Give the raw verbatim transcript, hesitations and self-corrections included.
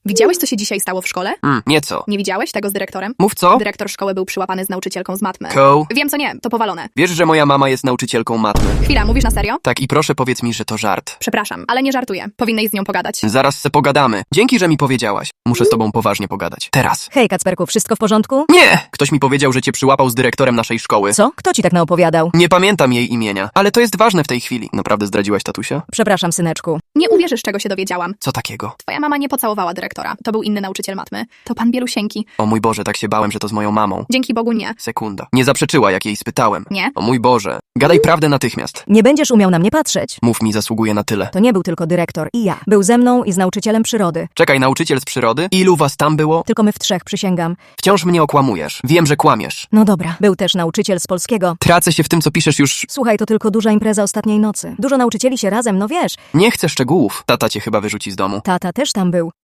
Widziałeś, co się dzisiaj stało w szkole? Mm, nieco. Nie widziałeś tego z dyrektorem? Mów co? Dyrektor szkoły był przyłapany z nauczycielką z matmy. Ko. Wiem, co nie, to powalone. Wiesz, że moja mama jest nauczycielką matmy? Chwila, mówisz na serio? Tak, i proszę powiedz mi, że to żart. Przepraszam, ale nie żartuję. Powinnaś z nią pogadać. Zaraz se pogadamy. Dzięki, że mi powiedziałaś. Muszę z tobą poważnie pogadać. Teraz. Hej, Kacperku, wszystko w porządku? Nie! Ktoś mi powiedział, że cię przyłapał z dyrektorem naszej szkoły. Co? Kto ci tak naopowiadał? Nie pamiętam jej imienia, ale to jest ważne w tej chwili. Naprawdę zdradziłaś tatusia? Przepraszam, syneczku. Nie uwierzysz, czego się dowiedziałam. Co takiego? Twoja mama nie pocałowała dyrektora. To był inny nauczyciel matmy. To pan Bielusieńki. O mój Boże, tak się bałem, że to z moją mamą. Dzięki Bogu nie. Sekunda. Nie zaprzeczyła, jak jej spytałem. Nie? O mój Boże. Gadaj prawdę natychmiast. Nie będziesz umiał na mnie patrzeć. Mów mi, zasługuje na tyle. To nie był tylko dyrektor i ja. Był ze mną i z nauczycielem przyrody. Czekaj, nauczyciel z przyrody? Ilu was tam było? Tylko my w trzech, przysięgam. Wciąż mnie okłamujesz. Wiem, że kłamiesz. No dobra. Był też nauczyciel z polskiego. Tracę się w tym, co piszesz już... Słuchaj, to tylko duża impreza ostatniej nocy. Dużo nauczycieli się razem, no wiesz. Nie chcę szczegółów. Tata cię chyba wyrzuci z domu. Tata też tam był.